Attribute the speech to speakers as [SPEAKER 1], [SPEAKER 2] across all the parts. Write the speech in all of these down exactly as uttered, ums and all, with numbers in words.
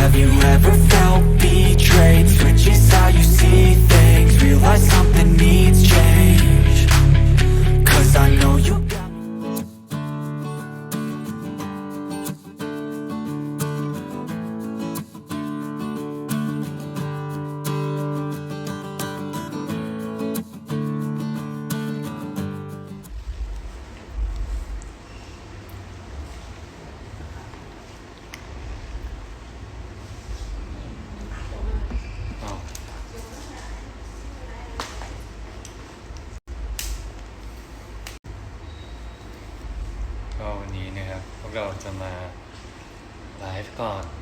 [SPEAKER 1] Have you ever felt betrayed? Switches how you see things. Realize something needs change. Cause I know you got
[SPEAKER 2] ก็วันนี้นะครับพวกเราจะมาไลฟ์ก่อน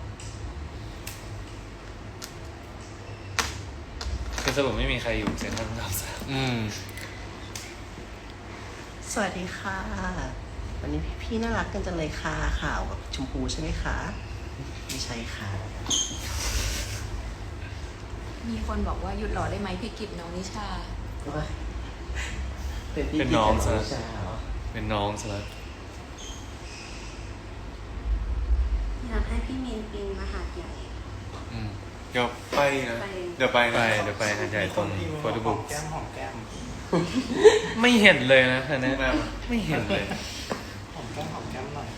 [SPEAKER 2] คือสรุปไม่มีใครอยู่เซ็นทรัลพระรามสามอืม
[SPEAKER 3] สวัสดีค่ะ วันนี้พี่ๆน่ารักกันจังเลยค่ะขาวกับชมพูใช่ไหมคะไม่ใช่ค่ะ
[SPEAKER 4] มีคนบอกว่าหยุดหล่อได้ไหมพี่กิจน้องนิชา
[SPEAKER 3] เป็นพี่
[SPEAKER 2] เป็นน้องซะ
[SPEAKER 3] ใช่เหรอ
[SPEAKER 2] เป็นน้องซะแล้ว
[SPEAKER 5] อยากให้พี่มีนปิงมาหาดใหญ่
[SPEAKER 6] อืมเดี๋ยวไปนะ
[SPEAKER 5] ไป
[SPEAKER 6] เดี๋ยวไป
[SPEAKER 2] ไป
[SPEAKER 6] นะ
[SPEAKER 2] เดี๋ยวไปหาดใหญ่ตรงโฟโต้บุ๊ก
[SPEAKER 6] แก้มหอมแก้ม
[SPEAKER 2] ไม่เห็นเลยนะอันนี้ไม่เห็นเลย
[SPEAKER 6] หอมแก้มหอมแก้มหน่อย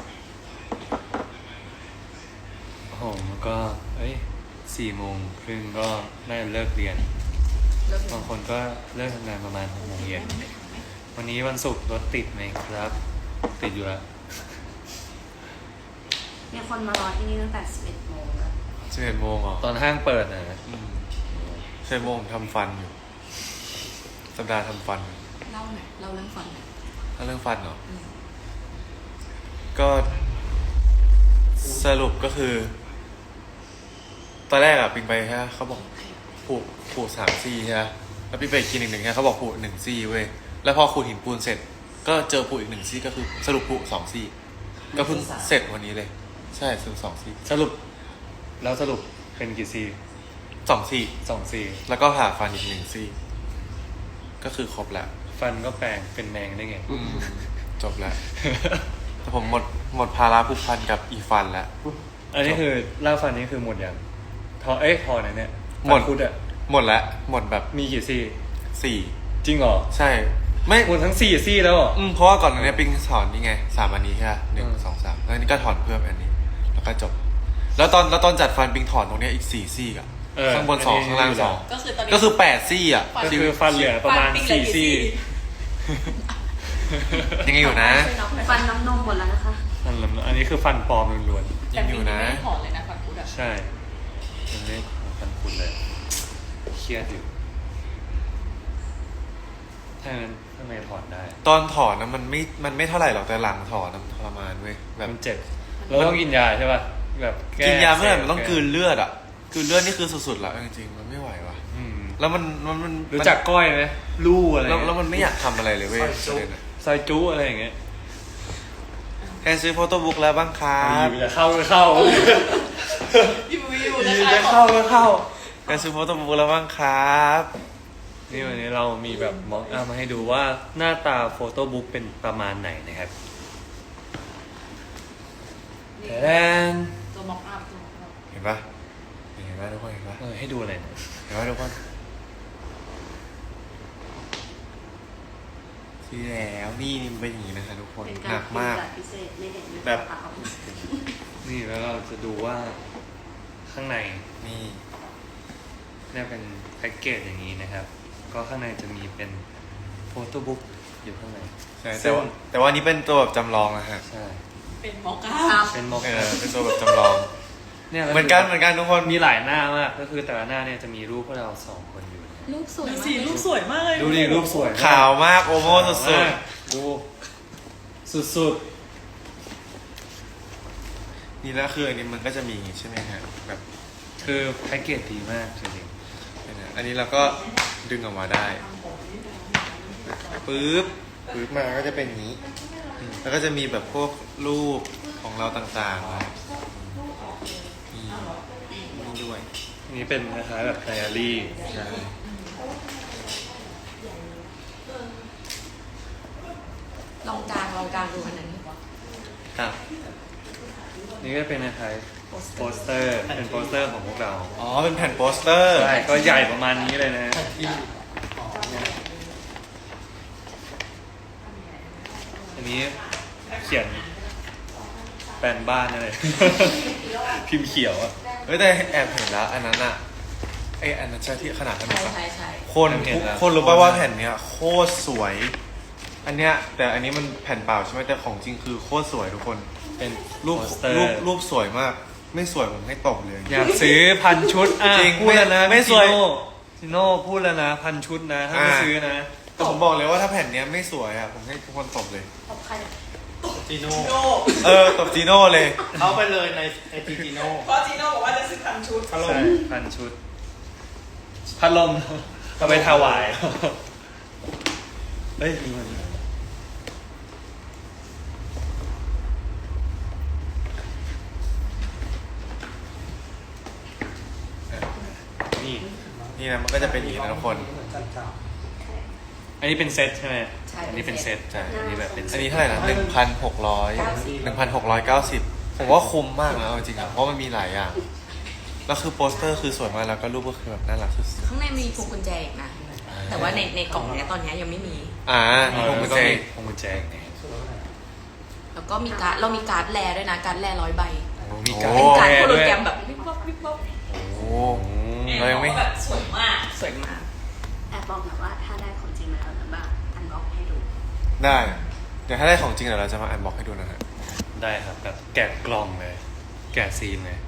[SPEAKER 2] โอ้โหมันก็เอ้ยสี่โมงครึ่งก็น่าจะเลิกเรียน
[SPEAKER 4] เลิก
[SPEAKER 2] บางคนก็เลิกทำงานประมาณหกโมงเย็นวันนี้วันศุกร์รถติดไหมครับ ติดอยู่แล้ว
[SPEAKER 5] มีคนมารอที่นี่ตั้งแต่สิบเอ็ดโมงแล้ว
[SPEAKER 6] สิบเอ็ดโมงเหรอ
[SPEAKER 2] ตอนห้างเปิดนะ
[SPEAKER 6] อืมสิบเอ็ดโมงทำฟันอยู่ สัปดาห์ทำฟัน
[SPEAKER 4] เล่าหน่อยเล่าเรื่องฟันหน่อย
[SPEAKER 6] ถ้าเรื่องฟันเหรอ
[SPEAKER 4] อืม
[SPEAKER 6] ก็สรุปก็คือ ตอนแรกอะปิงไปฮะเขาบอกผูกผูกสามซี่ใช่ไหมแล้วปิงไปกินอีกหนึ่งฮะเขาบอกผูกหนึ่งซี่เว้ย แล้วพอขูดหินปูนเสร็จ ก็เจอผูกอีกหนึ่งซี่ก็คือสรุปผูกสองซี่ ก็เพิ่งเสร็จวันนี้เลย ใช่สรุปสองซี่
[SPEAKER 2] สรุปแล้วสรุปเป็นกี่ซี
[SPEAKER 6] สองซี่
[SPEAKER 2] สองซี
[SPEAKER 6] แล้วก็ผ่าฟันอีกหนึ่งซี่ ก็คือครบแล้ว
[SPEAKER 2] ฟันก็แปลงเป็นแมงได้ไง
[SPEAKER 6] อืมจบแล้ว แต่ผมหมดหมดภาระผูกพันกับอีฟันแล้ว
[SPEAKER 2] อันนี้คือล่าฟันนี้คือหมดยังทอเอ้ยทอไหนเนี่ย
[SPEAKER 6] หมด
[SPEAKER 2] ฟันคุดอะ
[SPEAKER 6] หมดแล้ว หมดแบบ
[SPEAKER 2] มีกี่ซี่
[SPEAKER 6] สี่
[SPEAKER 2] จริงเหรอ
[SPEAKER 6] ใช่ ไม่
[SPEAKER 2] หมดทั้งสี่ซี่แล้วเหรอ
[SPEAKER 6] อืมเพราะว่าก่อนหน้านี้ปิงสอนนี่ไงสามอันนี้ใช่ไหมหนึ่ง
[SPEAKER 2] อืม
[SPEAKER 6] สองสามแล้วอันนี้ก็ถอนเพิ่มอันนี้ แล้วก็จบ แล้วตอนแล้วตอนจัดฟันปิงถอนตรงเนี้ยอีกสี่ซี่อะ
[SPEAKER 2] เออ
[SPEAKER 6] ข้างบนสอง
[SPEAKER 2] อันนี้
[SPEAKER 6] ข้างล่างสอง
[SPEAKER 4] ก็คือตอนนี้
[SPEAKER 6] ก็คือแปดซี่อะ
[SPEAKER 2] ก็คือฟันเหลือประมาณ
[SPEAKER 4] ฟันปิ้งเหลื
[SPEAKER 2] สี่
[SPEAKER 4] อกี่
[SPEAKER 2] ซี่
[SPEAKER 6] ยังไงอยู่นะ
[SPEAKER 4] ช่วยนับหน่อย
[SPEAKER 5] ฟันน้ำนมหมดแล้วนะคะ
[SPEAKER 2] นั่นแหละอันนี้คือฟันปลอมล้วน
[SPEAKER 4] แต่
[SPEAKER 6] ยังอ
[SPEAKER 4] ปี
[SPEAKER 6] ยู่
[SPEAKER 4] นี้
[SPEAKER 6] นะ
[SPEAKER 4] ไม่ได้ถอนเลยนะฟันคุดอะ
[SPEAKER 2] ๆใช่ยังไม่ได้ฟันคุดเลยเครียดอยู่ถ้างั้นทำไมถอนได้
[SPEAKER 6] ตอนถอนนะมันไม่มันไม่เท่าไหร่หรอกแต่หลังถอนนะมันทรมานเว้ยแบบ
[SPEAKER 2] มันเจ็บเราต้องกินยาใช่ป่ะแบบแ
[SPEAKER 6] กินยาเมื่อไหร่มันต้อง
[SPEAKER 2] แ
[SPEAKER 6] กลืนเลือดอะกลืนเลือดนี่คือสุดๆแล้วจริงๆมันไม่ไหวว่ะ
[SPEAKER 2] อืม
[SPEAKER 6] แล้วมันมันมัน
[SPEAKER 2] รู้จักก้อยไหมลู่อะไร
[SPEAKER 6] แล้วแล้วมันไม่อยากทำอะไรเลยเว้ยประเด็นอะ
[SPEAKER 2] ซอยจู้อะไรอย่างเงี้ย
[SPEAKER 6] แค่ซื้อโฟโต้บุ๊กแล้วบ้างครับ
[SPEAKER 2] อยู่จะเข้าก็เข้า
[SPEAKER 4] อยู่อยู่
[SPEAKER 2] อ
[SPEAKER 4] นะ
[SPEAKER 2] ยู่
[SPEAKER 4] คะ
[SPEAKER 2] จะเข้าก็เข้า
[SPEAKER 6] แค่ซื้อโฟโต้บุ๊กแล้วบ้างครับ
[SPEAKER 2] นี่วันนี้เรามีแบบมองอามาให้ดูว่าหน้าตาโฟโต้บุ๊กเป็นประมาณไหนนะครับแทน
[SPEAKER 4] ตัวม็อกอัพตัวม็อกอัพ
[SPEAKER 6] เห็นปะเห็นปะทุกคนเห็นปะ
[SPEAKER 2] เออให้ดูอะไรเนี่ย
[SPEAKER 6] เห็นปะทุกคนซื้อแล้วนี่นี่มันเป็นอย่างนี้นะคะทุกคน
[SPEAKER 5] เป็น
[SPEAKER 6] ห
[SPEAKER 5] กา
[SPEAKER 6] นั
[SPEAKER 5] ร
[SPEAKER 6] ก
[SPEAKER 5] ปิง
[SPEAKER 6] มาก
[SPEAKER 5] แบบพิเศษไม่เห็นด้วย
[SPEAKER 6] แบบ
[SPEAKER 5] ตาเปล่า
[SPEAKER 2] นี่แล้วเราจะดูว่าข้างใน
[SPEAKER 6] นี่
[SPEAKER 2] เนี่ยเป็นแพ็กเกจอย่างนี้นะครับ ก็ข้างในจะมีเป็นโฟโต้บุ๊กอยู่ข้างใน
[SPEAKER 6] ใช่แต่ว่าแต่ว่าอันนี้เป็นตัวแบบจำลองนะฮะ
[SPEAKER 2] ใช่
[SPEAKER 4] เป็นม็อกอั
[SPEAKER 5] ครั
[SPEAKER 4] พ
[SPEAKER 5] บ
[SPEAKER 2] เป็นม็อก
[SPEAKER 6] เออเป็นตัวแบบจำลอง
[SPEAKER 2] เนี่ย
[SPEAKER 6] เหมือนกันเหมือนกันทุกคน
[SPEAKER 2] มีหลายหน้ามากก็คือแต่ละหน้าเนี่ยจะมีรูปพวกเราสองคนอยู่นะ
[SPEAKER 4] รูปสวย
[SPEAKER 3] สีรูปสวยมากเลย
[SPEAKER 2] ดูดิรูปสวยมก
[SPEAKER 6] ขาวมากโอโม่สุด
[SPEAKER 2] มากดูสุด
[SPEAKER 6] ๆนี่แล้วคืออันนี้มันก็จะมีใช่ไหมฮะแบบ
[SPEAKER 2] ๆคือแพ็กเกจดีมากจริง
[SPEAKER 6] เนี่ยนะอันนี้เราก็ดึงออกมาได้ปึ๊บปึ๊บมาก็จะเป็นอย่างนี้ แล้วก็จะมีแบบพวกรูปของเราต่างๆนะนี่นี่ด้วย
[SPEAKER 2] ๆนี่เป็นคล้ายๆแบบไดอารี่
[SPEAKER 6] ใช่
[SPEAKER 4] ลองกลางลองกลางดูอันนั้นดีกว่า
[SPEAKER 6] ครับ
[SPEAKER 2] นี่ก็เป็นอะไรโปสเตอร์เป็นโปสเตอร์ของพวกเรา
[SPEAKER 6] อ๋อเป็นแผ่นโปสเตอร์
[SPEAKER 2] ใช่ก็ใหญ่ประมาณนี้เลยนะ อันนี้เขียนแปลนบ้านอะไร พิมพ์เขียวอะ
[SPEAKER 6] เฮ้ยแต่แอบเห็นแล้วอันนั้นอะไออันนั้นใช่ที่ขนาดนั้น
[SPEAKER 4] ใช่
[SPEAKER 6] ปะ
[SPEAKER 4] ใช่ใช่
[SPEAKER 6] คน
[SPEAKER 2] เห็นแล้ว
[SPEAKER 6] คนรู้ป่ะว่าแผ่นเนี้ยโคตรสวย อันเนี้ยแต่อันนี้มันแผ่นเปล่าใช่ไหมแต่ของจริงคือโคตรสวยทุกคน
[SPEAKER 2] เป็น
[SPEAKER 6] รูป
[SPEAKER 2] โปสเตอร์
[SPEAKER 6] รูปรูปสวยมาก ไม่สวยผมให้ตบเลย
[SPEAKER 2] อยากซื้อพันชุดอ่ะ
[SPEAKER 6] จริง
[SPEAKER 2] พูดแล้วนะ
[SPEAKER 6] ไม่
[SPEAKER 2] ไม่
[SPEAKER 6] สวย
[SPEAKER 2] จิโน่จิโน่พูดแล้วนะพันชุดนะถ้าไม่
[SPEAKER 6] อ่า
[SPEAKER 2] ซื้อนะ
[SPEAKER 6] แต่ผมบอกเลยว่าถ้าแผ่นเนี้ยไม่สวยอะผมให้ทุกคนตบเลย
[SPEAKER 7] จีโน่
[SPEAKER 6] เออตบจีโน่เลย
[SPEAKER 7] เข้าไปเลยในไอจีจีโน่
[SPEAKER 8] เพราะจีโน่บอกว่าจะซื้อพันชุด
[SPEAKER 7] ฮัลโหล
[SPEAKER 2] ใช่พันชุด พัดลมเอาไปถวายเฮ้ยมีมันนี่
[SPEAKER 6] นี่นะมันก็จะเป็นอย่างนี้นะทุกคน
[SPEAKER 2] อันนี้เป็นเซตใช่ไหมอันนี้เป็นเซต
[SPEAKER 6] ใช่
[SPEAKER 2] อันนี้แบบเป็นเซ
[SPEAKER 6] อัน
[SPEAKER 2] ต
[SPEAKER 6] นี้เท่าไหร่นะหนึ่งพันหกร้อยหนึ่งพันหกร้อยเก้าสิบผมว่าคุ้มมากนะเอาจริงๆอะเพราะมันมีหลายอย่าง แล้วคือโปสเตอร์คือสวยมากแล้วก็รูปก็คือแบบน่ารักสุด
[SPEAKER 4] ข้างในมีพวงกุญแจอีกนะ แต่ว่าในในกล่องเนี้ยตอนเนี้ยยังไม่มี
[SPEAKER 6] ๆอ่า
[SPEAKER 2] เอ
[SPEAKER 6] มี
[SPEAKER 2] อ
[SPEAKER 6] พวง
[SPEAKER 2] มั
[SPEAKER 6] กุ
[SPEAKER 2] น
[SPEAKER 6] ญ
[SPEAKER 2] ก็
[SPEAKER 6] แจ
[SPEAKER 2] มีพวงกุญแจไง
[SPEAKER 4] แล้วก็มีการ์ดเรามีการ์ดแลด้วยนะการ์ดแลร้อยใบ
[SPEAKER 2] โอ้มีการ
[SPEAKER 4] เป็นการ์ดโฮโล
[SPEAKER 2] ด้วย
[SPEAKER 4] แกรมแบบวิบวับวิบวับ
[SPEAKER 6] โอ้โห
[SPEAKER 2] อืม
[SPEAKER 6] เรายังไม่
[SPEAKER 8] แบบสวยมาก
[SPEAKER 4] สวยมาก
[SPEAKER 5] แอบบอกหนะว่าถ้าได้ของจริงมาแล้วนะบ้างอันบ็อกให้ดู
[SPEAKER 6] ได้ เดี๋ยวถ้าได้ของจริงเดี๋ยวเราจะมาอันบ็อกให้ดูนะฮะ
[SPEAKER 2] ได้ครับแบบแกะกล่องเลย แกะซีนเลย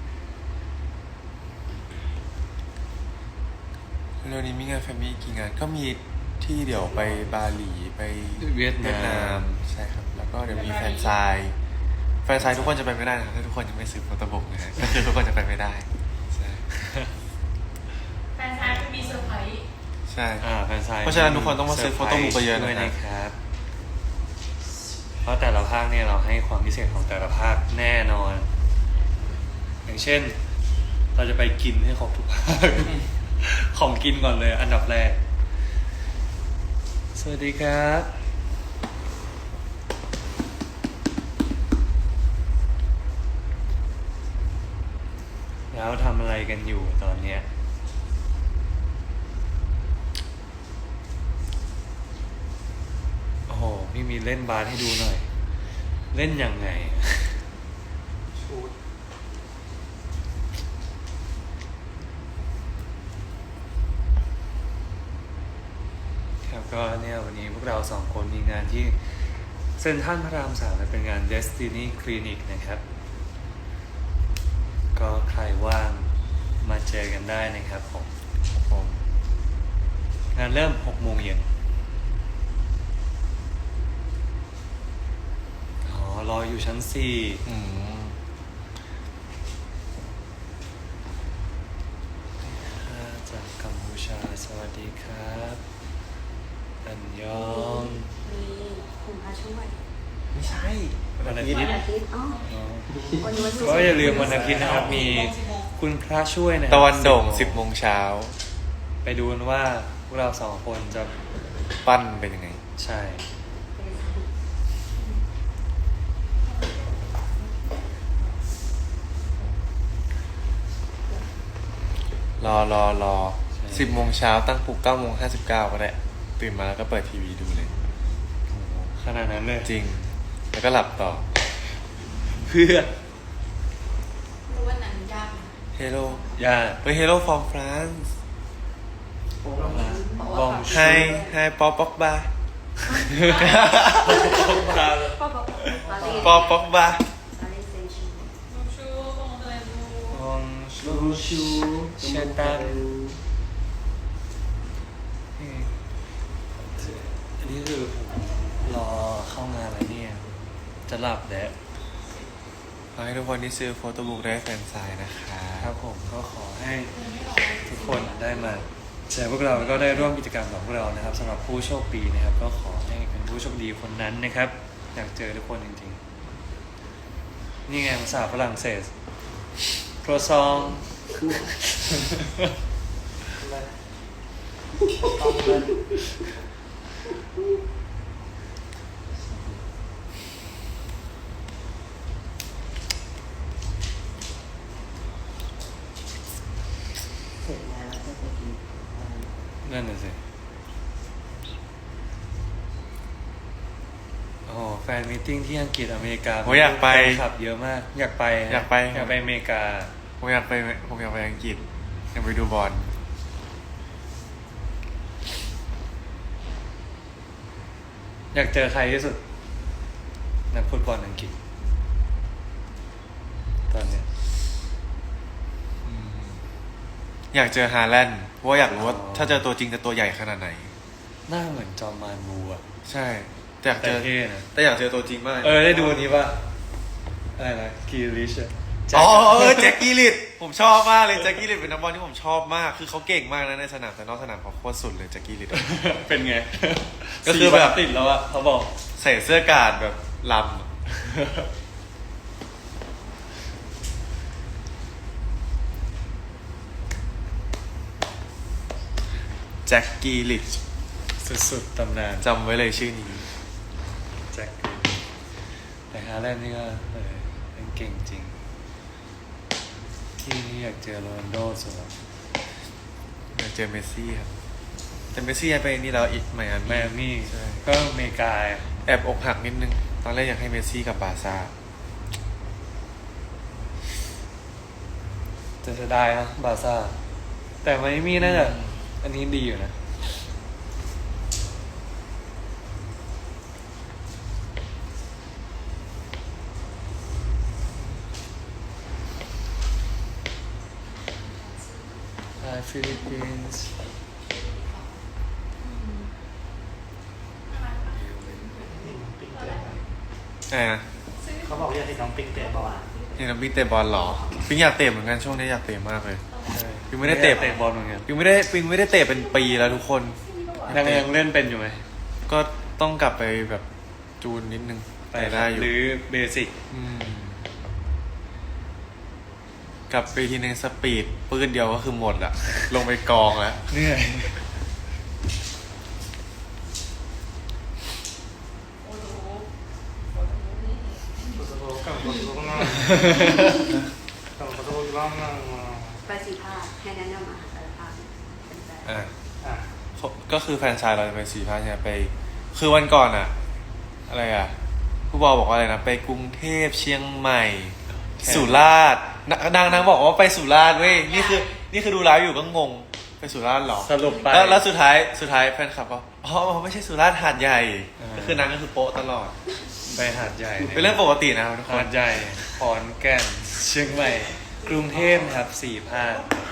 [SPEAKER 6] เร็วนี้มีงานแฟมิลี่กี่งานก็มีที่เดี๋ยวไปบาหลีไป
[SPEAKER 2] เวียดนาม
[SPEAKER 6] ใช่ครับ แล้วก็เดี๋ยวมีแฟนไซน์แฟนไซน์ทุกคนจะไปไม่ได้นะครับถ้าทุกคนยังไม่ซื้อโฟโต้บุ๊กนะฮะก็คือทุกคนจะไปไม่ได้ใช่
[SPEAKER 8] แฟนชายจะมีเซอร์ไพรส์
[SPEAKER 6] ใช่
[SPEAKER 2] อ่าแฟนไซน์
[SPEAKER 6] เพราะฉะนั้นทุกคนต้องมาซื้อ photo book ไปเยอะนะ
[SPEAKER 2] ด้วยนะครับ เพราะแต่ละภาคเนี่ยเราให้ความพิเศษของแต่ละภาคแน่นอน อย่างเช่น เราจะไปกินให้ครบทุกภาค ของกินก่อนเลย อันดับแรก สวัสดีครับ แล้วทำอะไรกันอยู่ตอนเนี้ย โอ้โห พี่มีเล่นบาสให้ดูหน่อย เล่นยังไง ครับก็เนี่ยวันนี้พวกเราสองคนมีงานที่เซ็นทรัลพระรามสามเป็นงาน Destiny Clinic นะครับ ก็ใครว่างมาเจอกันได้นะครับผม
[SPEAKER 6] ผม
[SPEAKER 2] งานเริ่มหกโมงเย็นอ๋อ รออยู่ชั้นสี่
[SPEAKER 6] อืม
[SPEAKER 2] จากกัมพูชาสวัสดีครับอันยอง
[SPEAKER 5] มีคุณพระช่วย
[SPEAKER 6] ไม่ใช่
[SPEAKER 2] วันอาทิต
[SPEAKER 5] วัน
[SPEAKER 2] ย์
[SPEAKER 5] อาทิตย์อ๋อ
[SPEAKER 2] อ๋อ
[SPEAKER 5] วันนี้วันศุก
[SPEAKER 2] ก็
[SPEAKER 5] ร์
[SPEAKER 2] อย่าลืมวันอาทิตย์นะครับ มีคุณพระช่วยนะ
[SPEAKER 6] ตะวันโด่งสิบโมงเช้า
[SPEAKER 2] ไปดูกันว่าพวกเราสองคนจะ
[SPEAKER 6] ปั้นเป็นยังไง
[SPEAKER 2] ใช่
[SPEAKER 6] รอรอรอสิบโมงเช้าตั้งปลุกเก้าโมงห้าสิบเก้าก็ได้ตื่นมาแล้วก็เปิดทีวีดูเลย
[SPEAKER 2] โอ้โหขนาดนั้นเลย
[SPEAKER 6] จริง แล้วก็หลับต่อ
[SPEAKER 2] เพื่อ
[SPEAKER 4] รู้ว่านั้นยากนะ
[SPEAKER 6] Hello
[SPEAKER 2] อย่า
[SPEAKER 6] เฮ้ย Hello from France
[SPEAKER 2] บอม
[SPEAKER 6] Hi Hi ปอปอกบา
[SPEAKER 5] ป้าบอกปารีส
[SPEAKER 6] ปอปอกบา
[SPEAKER 5] ปารีสเซนต์แชร์แมง
[SPEAKER 8] ชูคงเลยดู
[SPEAKER 2] บองชูชูเชตันอันนี้คือผมรอเข้างานแล้วเนี่ย จะหลับแล้ว
[SPEAKER 6] ขอให้ทุกคนที่ซื้อโฟโต้บุ๊กได้แฟนไซน์นะคะ
[SPEAKER 2] ครับผมก็ขอให้ทุกคนได้มาเจอพวกเราแล้วก็ได้ร่วมกิจกรรมกับพวกเรานะครับสำหรับผู้โชคดีนะครับ ก็ขอให้เป็นผู้โชคดีคนนั้นนะครับ อยากเจอทุกคนจริงๆ นี่ไงภาษาฝรั่งเศสโครซอง
[SPEAKER 3] จะไปกิน
[SPEAKER 2] นั่นน่ะสิโอ้โหแฟนมีตติ้งที่อังกฤษอเมริกา
[SPEAKER 6] ผมอยากไป
[SPEAKER 2] แฟนคลับเยอะมาก อยากไปนะ
[SPEAKER 6] อยากไป
[SPEAKER 2] อยากไปอเมริกา
[SPEAKER 6] ผมอยากไปผมอยากไปอังกฤษอยากไปดูบอล
[SPEAKER 2] อยากเจอใครที่สุด นักฟุตบอลอังกฤษ ตอนเนี้ย
[SPEAKER 6] อยากเจอฮาแลนด์เพราะว่าอยากรู้ว่าถ้าเจอตัวจริงจะตัวใหญ่ขนาดไหน
[SPEAKER 2] หน้าเหมือนจอมมานบูอะ
[SPEAKER 6] ใช่แต่อยาก
[SPEAKER 2] แต่
[SPEAKER 6] เจอ
[SPEAKER 2] เท่นะ
[SPEAKER 6] แต่อยากเจอตัวจริงมาก
[SPEAKER 2] เออ ได้ดูอันนี้ป่ะอะไรนะกีริชอะ
[SPEAKER 6] อ๋อเออแจ็คกี้ลิดผมชอบมากเลยแจ็คกี้ลิดเป็นนักบอลที่ผมชอบมากคือเขาเก่งมากนะในสนามแต่นอกสนามเขาโคตรสุดเลยแจ็คกี้ลิด
[SPEAKER 2] เป็นไง
[SPEAKER 6] ก็คือแบบ
[SPEAKER 2] สี่วันติดแล้วอะเขาบอก
[SPEAKER 6] ใส่เสื้อกาดแบบลำแจ็คกี้ลิด
[SPEAKER 2] สุดๆตำนาน
[SPEAKER 6] จำไว้เลยชื่อนี้
[SPEAKER 2] แจ็คแต่ฮาแลนด์นี่ก็เออเป็นเก่งจริง ที่นี่อยากเจอโรนัลโดสุดอะ
[SPEAKER 6] อยากเจอเมสซี่ครับแต่เมสซี่ย้ายไปนี่แล้วอีกไมอา
[SPEAKER 2] แม
[SPEAKER 6] มี่
[SPEAKER 2] อามี่
[SPEAKER 6] ใช่
[SPEAKER 2] ก็อเมริกา
[SPEAKER 6] แอบอกหักนิดนึง ตอนแรกอยากให้เมสซี่กับบาร์ซ่า
[SPEAKER 2] จะเสียดายนะบาร์ซ่า แต่ไมอามี่น่าจะอันนี้ดีอยู่นะ Hi Philippines
[SPEAKER 6] ไงนะ
[SPEAKER 7] เขาบอกอยากเห็นน้องปิงเตะบอล
[SPEAKER 6] เห็นน้องปิ๊งเตะบอลเหรอปิ๊งอยากเตะเหมือนกันช่วงนี้อยากเตะมากเลย ปิ๊งไม่ได้เตะ
[SPEAKER 2] เตะบอลเหมือนกัน
[SPEAKER 6] ปิ๊งไม่ได้ปิ๊งไม่ได้เตะเป็นปีแล้วทุกคน
[SPEAKER 2] ยังยังเล่นเป็นอยู่ไหม
[SPEAKER 6] ก็ต้องกลับไปแบบจูนนิดนึงแต่ได้อยู่
[SPEAKER 2] หรือเบสิก
[SPEAKER 6] อืมกลับไปทีนึงสปีดปืนเดียวก็คือหมดอะลงไปกองแล้ว
[SPEAKER 2] เหนื่อย
[SPEAKER 7] โอ้โหกับโอ้โหมากกับโอ้โหมากมาก
[SPEAKER 5] ไปสีภาคให้แนะนำอาหารแต่ละภาคเป็นแฟน
[SPEAKER 6] อ่ะ
[SPEAKER 7] อ่ะ
[SPEAKER 6] ก็คือแฟนชายเราจะไปสี่ภาคเนี่ยไป คือวันก่อนอะอะไรอะผู้บอลบอกว่าอะไรนะไปกรุงเทพเชียงใหม่ สุราษฎร์นนางนางบอกว่าไปสุราษฎร์เว้ยนี่คือ นี่คือดูไลฟ์อยู่ก็งงไปสุราษฎร์เหรอ
[SPEAKER 2] สรุปไป
[SPEAKER 6] แล้วแล้วสุดท้ายสุดท้ายแฟนคลับก็อ๋อไม่ใช่สุราษฎร์หาดใหญ่
[SPEAKER 2] อ่า
[SPEAKER 6] ก็คือนางก็คือโป๊ะตลอด
[SPEAKER 2] ไปหาดใหญ่ย
[SPEAKER 6] เป็นเรื่องปกตินะครับทุกค
[SPEAKER 2] หาน ดใหญ่ขอนแก่นเชียงใหม่ กรุงเทพนะครับสี่ภาค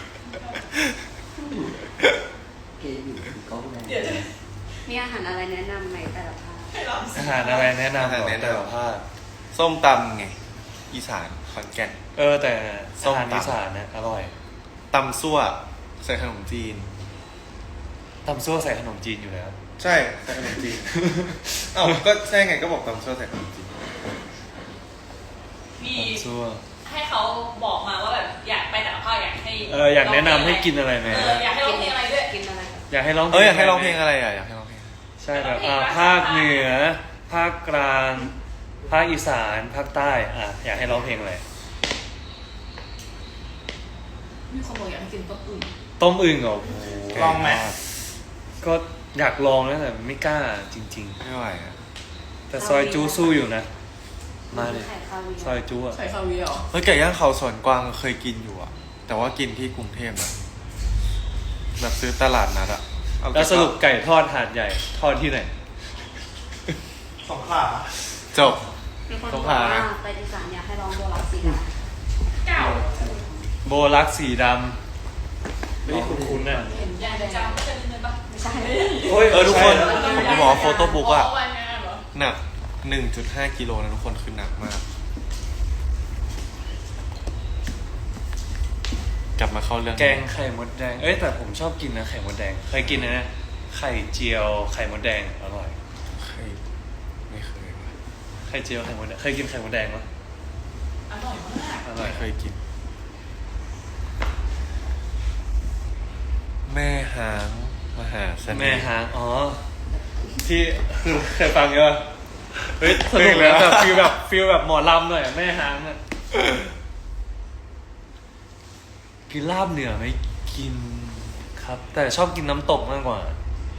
[SPEAKER 3] เกย์อยู่คือกล้องแดง
[SPEAKER 5] มีอาหารอะไรแนะนำไหมแต่ละภาค
[SPEAKER 2] อาหารอะไรแนะนำ
[SPEAKER 6] อาหารแนะนำ
[SPEAKER 2] แต่ละภาค
[SPEAKER 6] ส้มตำไงอีสานขอนแก่น
[SPEAKER 2] เออแต่
[SPEAKER 6] ส้
[SPEAKER 2] อาม
[SPEAKER 6] ตำ
[SPEAKER 2] หารอีสานนะอร่อย
[SPEAKER 6] ตำซั่วใส่ขนมจีน
[SPEAKER 2] ตำซั่วใส่ขนมจีนอยู่แล้ว
[SPEAKER 6] ใช่ใส่ขนมจีน เอ้าก็ใช่ไงก็บอกตำซั่วใส่ขนมจีน
[SPEAKER 8] มี
[SPEAKER 2] ตำซั่ว
[SPEAKER 8] ให้เขาบอกมาว่าแบบอยากไปแต่ละภาคอยากให้
[SPEAKER 2] เอออยากแนะนำให้กินอะไรไหม
[SPEAKER 8] เอออยากให้ร้องเพลงอะไรด้วย
[SPEAKER 5] กินอะไร
[SPEAKER 2] อยากให้ร้อง
[SPEAKER 6] เอออยากให้ร้องเพลงอะไรอ่ะอยากให้ร้องเพลง
[SPEAKER 2] ใช่แบบอ่าภาคเหนือ ภาคกลาง ภาคอีสานภาคใต้อ่ะอยากให้ร้องเพลงอะไร
[SPEAKER 8] มีคนบอกอยากให้กินต้มอึ่ง
[SPEAKER 2] ต้มอึ่งเหรอโอ้โห
[SPEAKER 7] ลองไหม
[SPEAKER 2] ก็อยากลองนะแต่ไม่กล้าจริง
[SPEAKER 6] ไม่ไหวอ่ะ
[SPEAKER 2] ๆ แต่ซอยจูสู้อยู่นะ มาเลย
[SPEAKER 5] ไข่คาเวียร์
[SPEAKER 2] ซอยจูอ่ะ
[SPEAKER 8] ใส่คาเวียร์เหรอ
[SPEAKER 6] เฮ้ยไก่ย่างเขาสวนกวางเคยกินอยู่อ่ะ แต่ว่ากินที่กรุงเทพนะแบบซื้อตลาดนัดอ่ะเอา
[SPEAKER 2] แล้วสรุปไก่ทอดหาดใหญ่ ทอดที่ไหน
[SPEAKER 7] สองขา
[SPEAKER 6] จบ
[SPEAKER 5] มีคนบ
[SPEAKER 6] ต้
[SPEAKER 5] อ
[SPEAKER 6] อก ง
[SPEAKER 5] ว่า
[SPEAKER 6] หา
[SPEAKER 5] ไปอีสานอยากให้ลองโบราณสีดา
[SPEAKER 8] เก่า
[SPEAKER 2] โบลักสีดำไม่คุ้นๆน่ะ
[SPEAKER 8] เห็นอยากจะจำก็จะลืมเลยปะ
[SPEAKER 5] ไม่ใช่
[SPEAKER 2] โอ้ย
[SPEAKER 6] เออทุกคน
[SPEAKER 2] ใช่
[SPEAKER 6] ผมจะบอกว่าโฟโต้บุ๊กอ่ะ
[SPEAKER 8] วันงานเหรอ
[SPEAKER 6] หนัก หนึ่งจุดห้า กิโลนะทุกคนคือหนักมาก กลับมาเข้าเรื่อง
[SPEAKER 2] แกงไข่มดแดง เอ้ยแต่ผมชอบกินนะไข่มดแดง เคยกินนะ ไข่เจียวไข่มดแดงอร่อย
[SPEAKER 6] เคยไม่เคยว่ะ
[SPEAKER 2] ไข่เจียวไข่มดแดง เคยกินไข่มดแดงปะ
[SPEAKER 8] อร่อยมาก
[SPEAKER 2] อร่อ
[SPEAKER 6] ไม่
[SPEAKER 2] ย
[SPEAKER 6] เคยกิน แม่หางมหาเสน่ห์
[SPEAKER 2] แม่หางอ๋อ ที่คือเคยฟังเยอะเฮ้ยสนุกนะแบบฟีลแบบฟีลแบบหมอลำหน่อยแม่หางอ่ะกินลาบเหนือไหมกินครับ แต่ชอบกินน้ำตกมากกว่า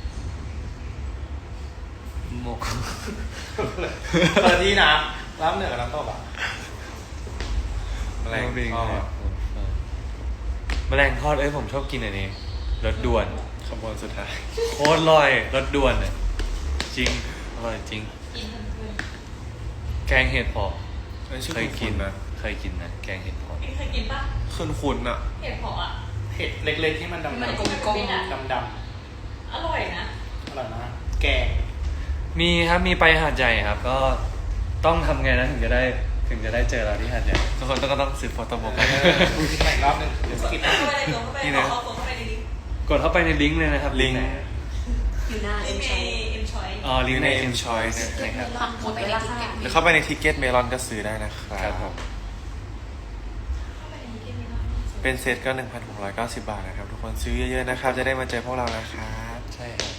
[SPEAKER 2] โมก
[SPEAKER 7] เออที่นะรับเหนือกับน้ำตกอ่ะ
[SPEAKER 6] แมลงทอด
[SPEAKER 2] แมลงทอดเอ้ยผมชอบกินอันนี้รสด่วน
[SPEAKER 6] ขบวนสุดท้าย
[SPEAKER 2] โคตรอร่อยรสด่วนเนี่ยจริงอร่อยจริง
[SPEAKER 8] กินทั้งคืน
[SPEAKER 2] แกงเห็ดเผาะ
[SPEAKER 6] เอ้ยชื่อ
[SPEAKER 2] เคยกิน
[SPEAKER 6] คุ้นๆนะ
[SPEAKER 2] เคยกินนะแกงเห็ดเผาะ
[SPEAKER 8] พี่เคยกินปะ
[SPEAKER 6] คุ้นๆอ่ะ
[SPEAKER 8] เห็ดเผาะอ่ะ
[SPEAKER 7] เห็ดเล็กๆที่มันดำ
[SPEAKER 8] มัน
[SPEAKER 7] ๆ
[SPEAKER 8] กลมๆอ่ะ
[SPEAKER 7] ดำ
[SPEAKER 8] อร่อยนะ
[SPEAKER 7] ๆอร่อยนะแกง
[SPEAKER 2] มีครับมีไปหาดใหญ่ครับ ก็ต้องทำไงนะถึงจะได้ถึงจะได้เจอเราที่หาดใหญ่
[SPEAKER 6] ทุกคนต้องก็ต้องซื้อโฟโต้บุ๊ก
[SPEAKER 7] ใหม่อีกรอบหนึงเดี๋ยวสกิป
[SPEAKER 8] เข้าไปในตัวเข้าไป
[SPEAKER 6] นี่
[SPEAKER 8] ขอ
[SPEAKER 6] นะ
[SPEAKER 8] เข้าตัวเข้าไปในลิงก์
[SPEAKER 2] กดเข้าไปในลิงก์เลยนะครับ
[SPEAKER 6] ลิงก์
[SPEAKER 2] ไหน
[SPEAKER 5] อยู่หน้า
[SPEAKER 8] ลิ
[SPEAKER 5] เอ็
[SPEAKER 8] ง
[SPEAKER 5] ม
[SPEAKER 8] ก์ใน
[SPEAKER 5] ชัย
[SPEAKER 8] เอ็มชอย
[SPEAKER 2] อ๋อลิงก์ใน
[SPEAKER 6] ลิงก์ใน
[SPEAKER 2] M
[SPEAKER 6] M
[SPEAKER 2] Choice
[SPEAKER 6] Choice
[SPEAKER 2] นะครับ
[SPEAKER 4] ลองไปในทิกเก็ต
[SPEAKER 6] หรือเข้าไปในทิกเก็ตเมลอนก็ซื้อได้นะครั
[SPEAKER 2] ครับ
[SPEAKER 6] บ
[SPEAKER 2] ผม
[SPEAKER 8] เข้าไปในลิงก์นี้นะ
[SPEAKER 6] เป็นเซตก็ หนึ่งพันหกร้อยเก้าสิบ บาทนะครับ ทุกคนซื้อเยอะๆนะครับ จะได้มาเจอพวกเรานะครับ
[SPEAKER 2] ใช่ครับ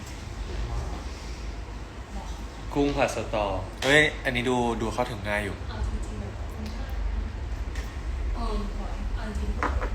[SPEAKER 2] กุ้งผัดสตอ
[SPEAKER 6] เฮ้ย อันนี้ดูดูเข้าถึงง่ายอยู่
[SPEAKER 8] เอาจริงๆแบบเออเอาจริง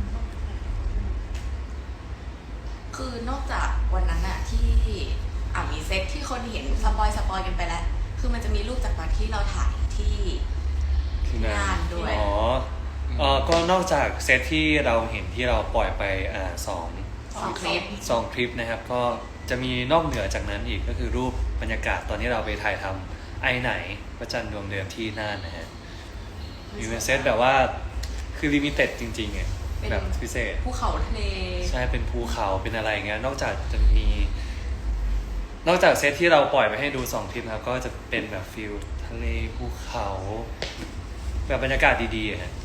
[SPEAKER 4] คือนอกจากวันนั้นอะที่อ่ะมีเซตที่คนเห็นสปอยสปอยกันไปแล้ว คือมันจะมีรูปจากตอนที่เราถ่ายที่
[SPEAKER 2] ที่งาง
[SPEAKER 4] าน นด้วย
[SPEAKER 2] อ๋อเออก็นอกจากเซตที่เราเห็นที่เราปล่อยไปอ่าสอง
[SPEAKER 4] สองคลิป
[SPEAKER 2] สองคลิปนะครับ ก็จะมีนอกเหนือจากนั้นอีกก็คือรูปบรรยากาศตอนที่เราไปถ่ายทำไอไหนพระจันทร์ดวงเดิมที่น่านนะฮะมีเป็นเซตแบบว่าคือลิมิเต็ดจริงๆไง
[SPEAKER 4] เป็น
[SPEAKER 2] แบบพิเศษ
[SPEAKER 4] ภูเขาทะเล
[SPEAKER 2] ใช่เป็นภูเขาเป็นอะไรอย่างเงี้ยนอกจากจะมี นอกจากเซตที่เราปล่อยไปให้ดูสองคลิปนะครับก็จะเป็นแบบฟิลทะเลภูเขา แบบบรรยากาศดีๆอะฮะ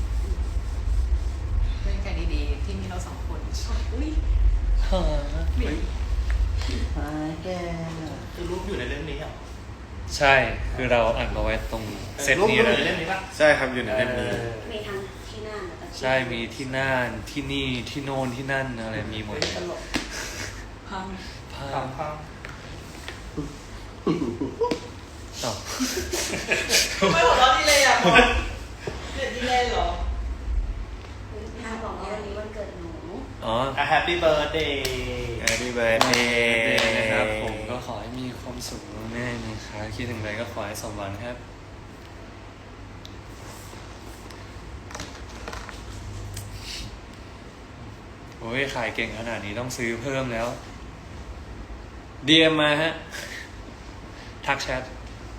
[SPEAKER 4] บรรยากาศดีๆ ที่มีเราสองคนอุ้ย
[SPEAKER 3] มาแก
[SPEAKER 7] คือรูปอยู่ในเล่มนี้เหรอ
[SPEAKER 2] ใช่คือเราอัดมาไว้ตรงเซต
[SPEAKER 7] รูป
[SPEAKER 2] นี้
[SPEAKER 7] รูป
[SPEAKER 2] นะ
[SPEAKER 7] อยู่ในเล่มนี้ปะ
[SPEAKER 6] ใช่ครับอยู่ในเล่มนี้
[SPEAKER 7] ออ
[SPEAKER 5] มีทั้งที่หน้าแล้วก็ที่
[SPEAKER 2] ใช่มีที่น่านที่นี่ที่โน่นที่นั่นอะไรมีหมดเลย
[SPEAKER 7] ตลก
[SPEAKER 4] พัง
[SPEAKER 2] ภา
[SPEAKER 7] ฟั
[SPEAKER 2] พ
[SPEAKER 7] งฟัง
[SPEAKER 2] ต่อ
[SPEAKER 8] ไม่หัวเราะดีเลยอ่ะเด็ดดีเลยเหรอ
[SPEAKER 5] ห้ามบอกว่าวันนี้วันเกิดหนู
[SPEAKER 2] อ๋อ
[SPEAKER 7] อ่ะ Happy Birthday
[SPEAKER 6] Happy Birthday
[SPEAKER 2] นะครับผมก็ขอให้มีความสุขแน่ๆนะครับคิดถึงอะไรก็ขอให้สมหวังครับโอ้ยขายเก่งขนาดนี้ต้องซื้อเพิ่มแล้ว ดี เอ็ม มาฮะ ทักแชท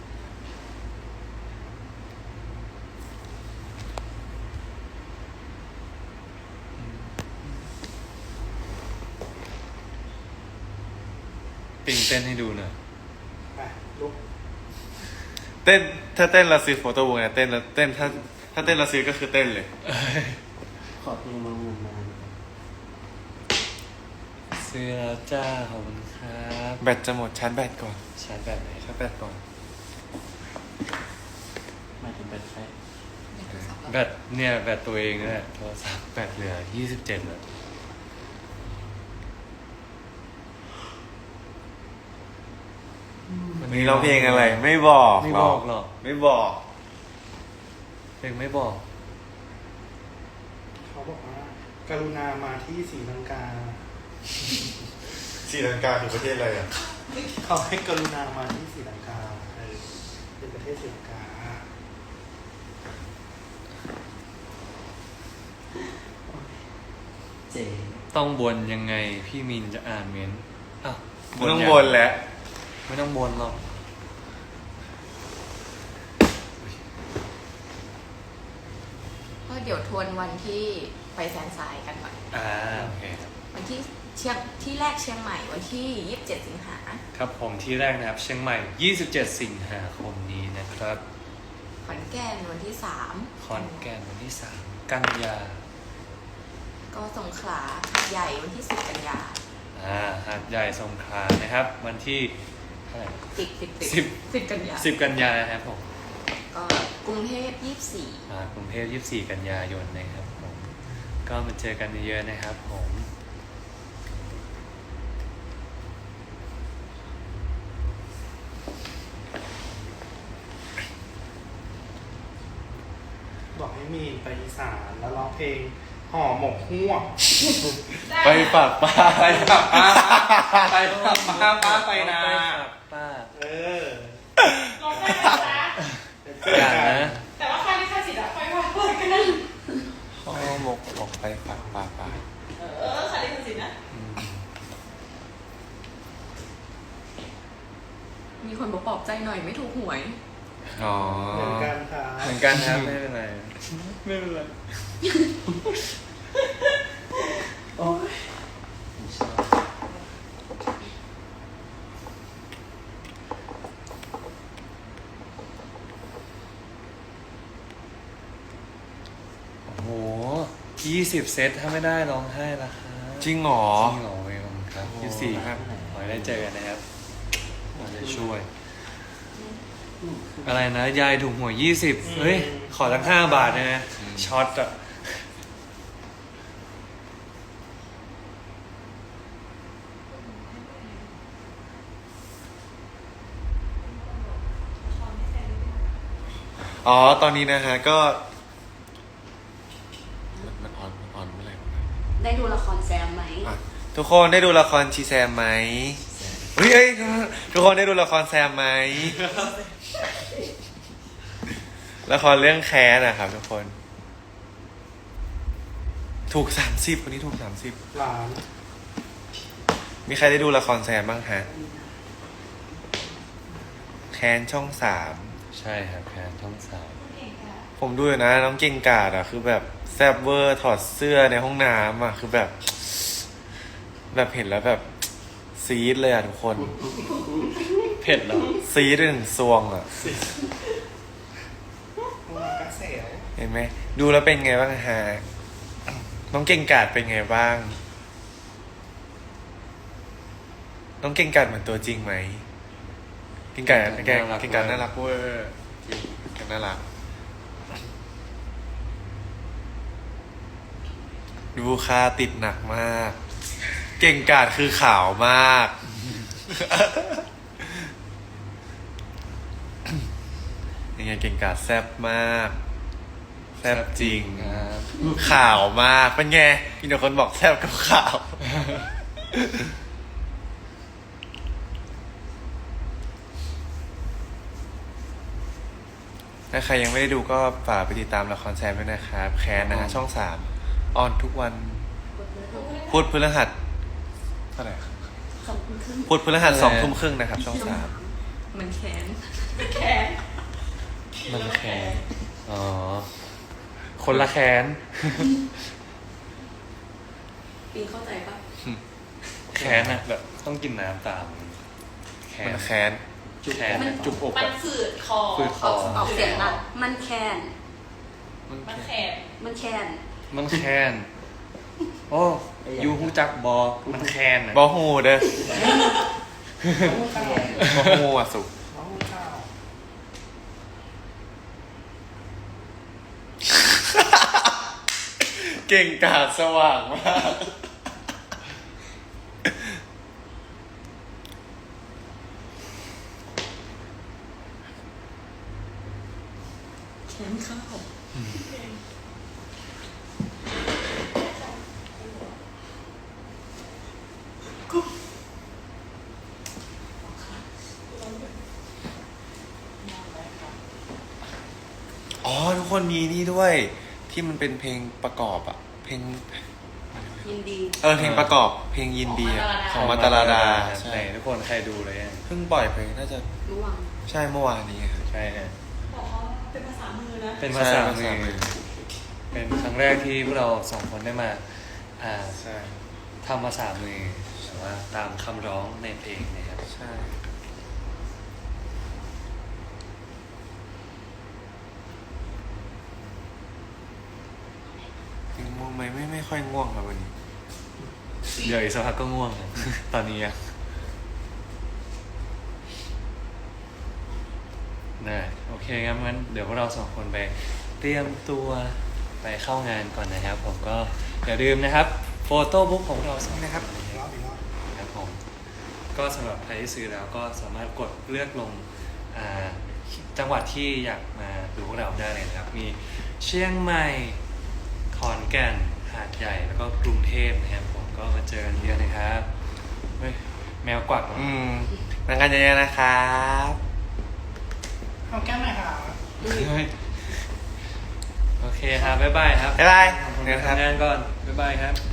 [SPEAKER 2] ปิงเต้นให้ดูหน่อย
[SPEAKER 7] ไปลุก
[SPEAKER 6] เต้นถ้าเต้นเราซื้อโฟโต้บุ๊กเนี่ยเต้นแล้วเต้นถ้าถ้าเต้นเราซื้อก็คือเต้นเลย
[SPEAKER 3] ขอเพลงมาเงินมา
[SPEAKER 2] ซื้อแล้วจ้าขอบคุณครับ
[SPEAKER 6] แบตจะหมดชาร์จแบตก่อน
[SPEAKER 2] ชาร์จแบบไหน
[SPEAKER 6] ชาร์จแบตก่อน
[SPEAKER 3] หมายถึงเป็นใคร
[SPEAKER 2] แบตเนี่ยแบตตัวเองนี่แหละโทรศัพท์แบตเหลือยี่สิบเจ็ดแล้ว
[SPEAKER 6] วันนี้เราเพลงอะไร ไม่บอก
[SPEAKER 2] ไม่บอกหรอก
[SPEAKER 6] ไม่บอก
[SPEAKER 2] เพลงไม่บอก
[SPEAKER 7] เขาบอกว่า กรุณามาที่ศรีลังกา
[SPEAKER 6] ศรีลังกาคือประเทศอะไรอ่ะ
[SPEAKER 7] เขาให้กรุณามาที่ศรีลังกาเออเป็นประเทศศรีลังกา
[SPEAKER 3] เจ
[SPEAKER 2] ต้องบนยังไงพี่มินจะอ่านเมนต์อ้าว
[SPEAKER 6] ไม่ต้อง
[SPEAKER 2] ยัง
[SPEAKER 6] บนแล้ว
[SPEAKER 2] ไม่ต้องบนหรอก
[SPEAKER 4] ก็เดี๋ยวทวนวันที่ไปแซนไซน์กันก่อน
[SPEAKER 2] อ่าโอเคครับ
[SPEAKER 4] วันที่เชียงที่แรกเชียงใหม่วันที่ยี่สิบเจ็ดสิงหา
[SPEAKER 2] ครับผมที่แรกนะครับเชียงใหม่ยี่สิบเจ็ดสิงหาคมนี้นะครับ
[SPEAKER 4] ขอนแก่นวันที่สาม
[SPEAKER 2] ขอนแก่นวันที่สามกันยา
[SPEAKER 4] ก็สงขลาหาดใหญ่วันที่สิบกันยา
[SPEAKER 2] อ่าหาดใหญ่สงขลานะครับ วันที่เท่าไหร่
[SPEAKER 4] สิบสิบ
[SPEAKER 2] สิบ
[SPEAKER 4] สิบกันยา
[SPEAKER 2] สิบกันยานะครับผม
[SPEAKER 4] ก็กรุงเทพยี่สิบสี่
[SPEAKER 2] อ่ากรุงเทพยี่สิบสี่กันยายนนะครับผมก็มาเจอกันเยอะๆนะครับผม
[SPEAKER 7] บอกให้มีนไปอีสานแล้วร้องเพลงห่อหมกหัวก
[SPEAKER 6] ไปฝากป้า
[SPEAKER 7] ไปฝากป้าไปฝากป้าป้าไปนา
[SPEAKER 2] ไปฝากป้า
[SPEAKER 7] เออ
[SPEAKER 8] ลองได้ไหมจ๊ะ
[SPEAKER 2] อย่างนะ
[SPEAKER 8] แต่ว่าค่าลิขสิทธิ์อะค่อยว่าเปิดกันนะ
[SPEAKER 6] ห่อหมกบอกไปฝากป้าป้า
[SPEAKER 8] เออค่าลิขสิทธิ์นะ
[SPEAKER 4] มีคนบอกปลอบใจหน่อยไม่ถูกหวย
[SPEAKER 6] อ๋อ
[SPEAKER 7] เหมือนกันค่ะ
[SPEAKER 2] เหมือนกันครับไม่เป็นไรไม่เป็นไรโอ้โหยี่สิบเซตถ้าไม่ได้ร้องไห้ละครับ
[SPEAKER 6] จริงเหรอ
[SPEAKER 2] จริงเหรอเวลครับ
[SPEAKER 6] โอ้
[SPEAKER 2] ยี่สิบสี่ครับขอให้ได้เจอกันนะครับขอจะช่วย อะไรนะ ยายถูกหวยยี่สิบเฮ้ย ขอตั้งห้าบาทนะนะช็อตอะ
[SPEAKER 6] อ๋อ ตอนนี้นะฮะ ก็ มันมันออนมันออนเมื่อไหร่วะ
[SPEAKER 5] ได้ดูละครแซมไหม
[SPEAKER 6] อ่ะทุกคนได้ดูละครชีแซมไหมเฮ้ยเอ้ยทุกคนได้ดูละครแซมไหม ละครเรื่องแค้นนะครับทุกคน ถูกสามสิบวันนี้ถูกสามสิบ
[SPEAKER 7] หลาน
[SPEAKER 6] มีใครได้ดูละครแซมบ้างฮะ แค้นช่องสาม
[SPEAKER 2] ใช่ครับแพนท่องสาม
[SPEAKER 6] ผมดูอยู่นะ น้องเก่งกาดอ่ะ คือแบบแซบเวอร์ถอดเสื้อในห้องน้ำอ่ะ คือแบบ แบบเห็นแล้วแบบ ซีดเลยอ่ะทุกคน
[SPEAKER 2] เผ็ดเหรอ
[SPEAKER 6] ซีดด้วยหนึ่งซวงอ่ะ
[SPEAKER 7] กระเสว
[SPEAKER 6] เห็นไหม ดูแล้วเป็นไงบ้างฮะ น้องเก่งกาดเป็นไงบ้าง น้องเก่งกาดเหมือนตัวจริงไหม เก่งกาดเก่งเก่งกาดน่ารักเวอร์จริงเก่งน่ารัก ดูคาติดหนักมาก เก่งกาดคือขาวมาก ยังไงเก่งกาดแซ่บมาก แซ่บจริง
[SPEAKER 2] ครับ
[SPEAKER 6] ขาวมาก เป็นไงมีแต่คนบอกแซ่บกับขาว ถ้าใครยังไม่ได้ดูก็ฝากไปติดตามละครแซมด้วยนะครับ แคนนะฮะช่องสามออนทุกวันพุธพฤหัสเท่าไหร่ครับ
[SPEAKER 5] สองคนครึ่ง
[SPEAKER 6] พุธพฤหัสสองทุ่มครึ่งนะครับ ช่องสาม
[SPEAKER 4] มันแค้น
[SPEAKER 8] แขน
[SPEAKER 2] มันแค้นอ๋อ คนละแค้น
[SPEAKER 4] ปีเข้าใจปะ
[SPEAKER 2] แค้นอะแบบต้องกินน้ำตามแค้
[SPEAKER 6] มัน นแค้น
[SPEAKER 2] แค้นอะจุบอก
[SPEAKER 8] มัน
[SPEAKER 2] อะ
[SPEAKER 8] ฝืดคอ
[SPEAKER 2] ฝืดค
[SPEAKER 5] ออกออกเสียงหนักมันแคน
[SPEAKER 8] มันแขน
[SPEAKER 5] มันแคน
[SPEAKER 2] มันแค้นโอ้ยูฮูจักบอมันแค้นอะ
[SPEAKER 6] บอฮูเด้อ บอฮูอ่ะสุก
[SPEAKER 7] น้องข้าว
[SPEAKER 6] เก่งกาจสว่างมาก
[SPEAKER 4] แค้นข้าว
[SPEAKER 6] อ๋อ ทุกคนมีนี่ด้วย ที่มันเป็นเพลงประกอบอะเพลง
[SPEAKER 5] ยินดี
[SPEAKER 6] เออเพลงประกอบ เพลงยินดีอะของมาตาลาดา
[SPEAKER 2] ใช่
[SPEAKER 6] ใช่
[SPEAKER 2] ทุกคนใครดูเลยอะ
[SPEAKER 6] เพิ่งปล่อยไปน่าจะ
[SPEAKER 5] ระวัง
[SPEAKER 6] ใช่เมื่อวานนี้ครับ
[SPEAKER 2] ใช่ฮะ
[SPEAKER 8] บอกเขาเป็นภาษามือนะ
[SPEAKER 2] เป็นภาษา
[SPEAKER 6] ใช่
[SPEAKER 2] มื
[SPEAKER 6] ภาษามื
[SPEAKER 2] อ
[SPEAKER 6] อ
[SPEAKER 2] เป็นครั้งแรกที่พวกเราสองคนได้มา อ่า
[SPEAKER 6] ใช่
[SPEAKER 2] ทำภาษามือแต่ว่าตามคำร้องในเพลงนะครับ
[SPEAKER 6] ใช่ยังง่วงไหมไม่ไม่ค่อยง่วงครับวันนี้
[SPEAKER 2] เดี๋ยวอีกสักพักก็ง่วงนะ ตอนนี้อะได้โอเคงั้นงั้นเดี๋ยวพวกเราสองคนไปเตรียมตัวไปเข้างานก่อนนะครับ ผมก็อย่าลืมนะครับ โฟโต้บุ๊กของเราสองนะครับ
[SPEAKER 7] อีกรอบอีกรอบ
[SPEAKER 2] ครับผมก็สำหรับใครที่ซื้อแล้วก็สามารถกดเลือกลงอ่าจังหวัดที่อยากมาดูพวกเราได้เลยนะครับ มีเชียงใหม่ขอนแก่นหาดใหญ่แล้วก็กรุงเทพนะครับผมก็มาเจอกันเยอะนะครับเฮ้ยแมวกวักเหรอ
[SPEAKER 6] อืมมากันเยอะๆนะครับ
[SPEAKER 8] เอาแก้มหน่อยค่ะ
[SPEAKER 2] เฮ้ยโอเคครับบ๊ายบายครับ
[SPEAKER 6] บ๊ายบาย
[SPEAKER 2] ผมไปทำงานก่อนบ๊ายบายครับ